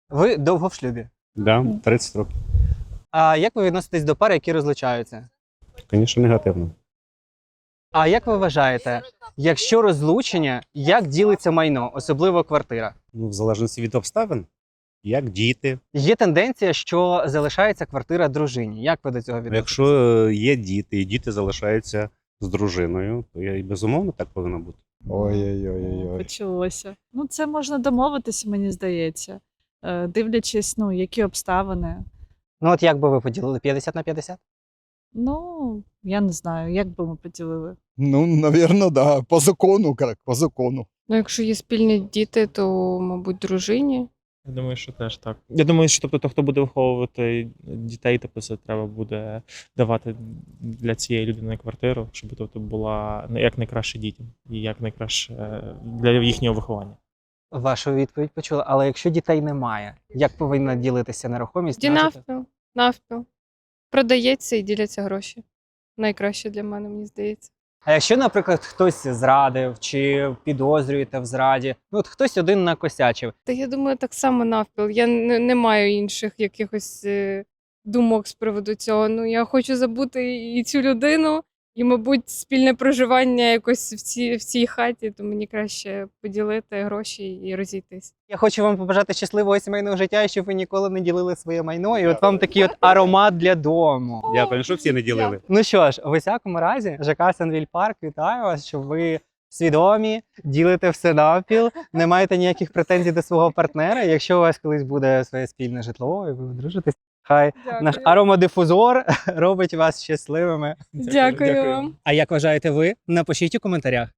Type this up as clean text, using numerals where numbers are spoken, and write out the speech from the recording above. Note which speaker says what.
Speaker 1: Ви довго в шлюбі.
Speaker 2: Да, 30 років.
Speaker 1: А як ви відноситесь до пар, які розлучаються?
Speaker 2: Звісно, негативно.
Speaker 1: А як ви вважаєте, якщо розлучення, як ділиться майно, особливо квартира?
Speaker 2: Ну, в залежності від обставин, як діти.
Speaker 1: Є тенденція, що залишається квартира дружині. Як ви до цього відноситесь?
Speaker 2: Якщо є діти, і діти залишаються з дружиною, то і безумовно так повинно бути.
Speaker 3: Ой-ой-ой.
Speaker 4: Почалося. Ну, це можна домовитися, мені здається. Дивлячись, ну, які обставини.
Speaker 1: Ну от як би ви поділили 50 на 50?
Speaker 4: Ну, я не знаю, як би ми поділили.
Speaker 3: Ну, навірно, да. По закону, як по закону.
Speaker 5: Ну, якщо є спільні діти, то, мабуть, дружині.
Speaker 6: Я думаю, що теж так. Я думаю, що тобто, хто буде виховувати дітей, тобто це треба буде давати для цієї людини квартиру, щоб тобто була як найкраще дітям і як найкраще для їхнього виховання.
Speaker 1: Вашу відповідь почула. Але якщо дітей немає, як повинна ділитися нерухомість?
Speaker 5: Тоді навпіл. Продається і діляться гроші. Найкраще для мене, мені здається.
Speaker 1: А якщо, наприклад, хтось зрадив чи підозрюєте в зраді, ну от хтось один накосячив,
Speaker 5: Та я думаю, так само навпіл. Я не маю інших якихось думок з приводу цього. Ну, я хочу забути і цю людину, і, мабуть, спільне проживання якось в цій хаті, то мені краще поділити гроші і розійтись.
Speaker 1: я хочу вам побажати щасливого сімейного життя, і щоб ви ніколи не ділили своє майно. І от вам такий от аромат для дому.
Speaker 2: Дякую, що всі не ділили.
Speaker 1: Ну що ж, у всякому разі, ЖК Сенвіль Парк вітаю вас, що ви свідомі, ділите все навпіл, не маєте ніяких претензій до свого партнера. Якщо у вас колись буде своє спільне житло, і ви одружитесь, хай наш аромадифузор робить вас щасливими.
Speaker 5: Дякую вам.
Speaker 1: А як вважаєте ви? Напишіть у коментарях.